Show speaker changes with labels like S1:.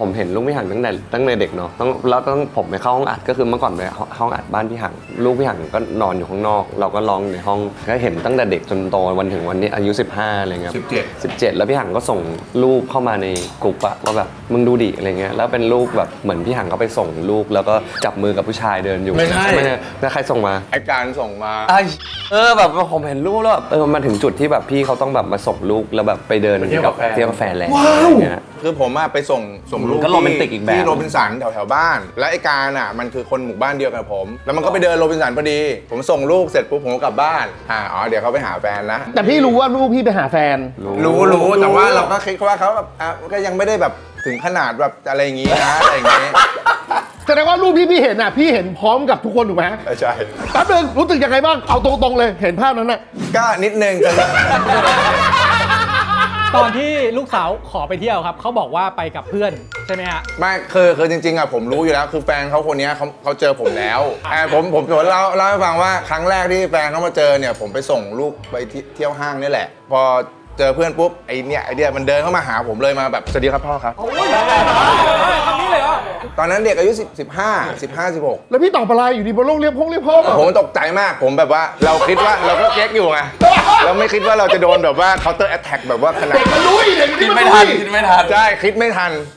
S1: ผมเห็นลูกพี่หังตั้งแต่เด็กเนาะต้องผมไปเข้าห้องอัดก็คือเมื่อก่อนไปห้องอัดบ้านพี่หังลูกพี่หังก็นอนอยู่ข้างนอกเราก็ร้องในห้องก็เห็นตั้งแต่เด็กจนโตวันถึงวันนี้อายุ15อะไรเงี้ย17แล้วพี่หังก็ส่งรูปเข้ามาในกลุ่มอะว่าแบบมึงดูดิอะไรเงี้ยแล้วเป็นรูปแบบเหมือนพี่หังก็ไปส่งลูกแล้วก็จับมือกับผู้ชายเดินอยู่ไม่ใช่แล้วใครส่งมา
S2: ไอการส่งมา
S1: แบบผมเห็นรูปแล้วมาถึงจุดที่แบบพี่เขาต้องแบบมาส่งลูกแล้วแบบไปเดินกับเที่ยวกาแฟแล้วอะไรเงี้ย
S2: คือผมไปส่งลูก
S1: ก็โรแมนติกอีกแบบ
S2: ที่โรบินสันแถวบ้านและไอการอ่ะมันคือคนหมู่บ้านเดียวกับผมแล้วมันก็ไปเดินโรบินสันพอดีผมส่งลูกเสร็จปุ๊บผมก็กลับบ้านเดี๋ยวเขาไปหาแฟนนะ
S3: แต่พี่รู้ว่าลูกพี่ไปหาแฟน
S2: รู้แต่ว่าเราก็คิดว่าเขาแบบก็ยังไม่ได้แบบถึงขนาดแบบอะไรอย่างงี้นะอะไรอย่างงี้
S3: แสดงว่ารูปพี่เห็นพี่เห็นพร้อมกับทุกคนถูกไหม
S2: ใช่
S3: แป๊บนึงรู้สึกยังไงบ้างเอาตรงๆเลยเห็นภาพนั้นน่ะ
S2: ก็นิดนึง
S4: ตอนที่ลูกสาวขอไปเที่ยวครับเขาบอกว่าไปกับเพื่อนใช่ไหมฮะ
S2: ไม่คือจริงๆผมรู้อยู่แล้วคือแฟนเขาคนนี้เขาเจอผมแล้วผมเล่าให้ฟังว่าครั้งแรกที่แฟนเขามาเจอเนี่ยผมไปส่งลูกไปเที่ยวห้างนี่แหละพอเจอเพื่อนปุ๊บไอเดียมันเดินเข้ามาหาผมเลยมาแบบสวัสดีครับพ่อครับ
S4: คำนี้เลยเหรอ
S2: ตอนนั้นเด็กอายุ16
S3: แล้วพี่ตอบอะไรอยู่ดีบนโลกเรียกพ่อ
S2: ผมตกใจมากผมแบบว่าเราคิดว่าเราก็เก๊กอยู่ไงเราไม่คิดว่าเราจะโดนแบบว่า counter attack แบบว่าขนาด
S3: เด็กมันรู้เด็ก
S1: คิดไม่ทัน
S2: ใช่คิดไม่ทัน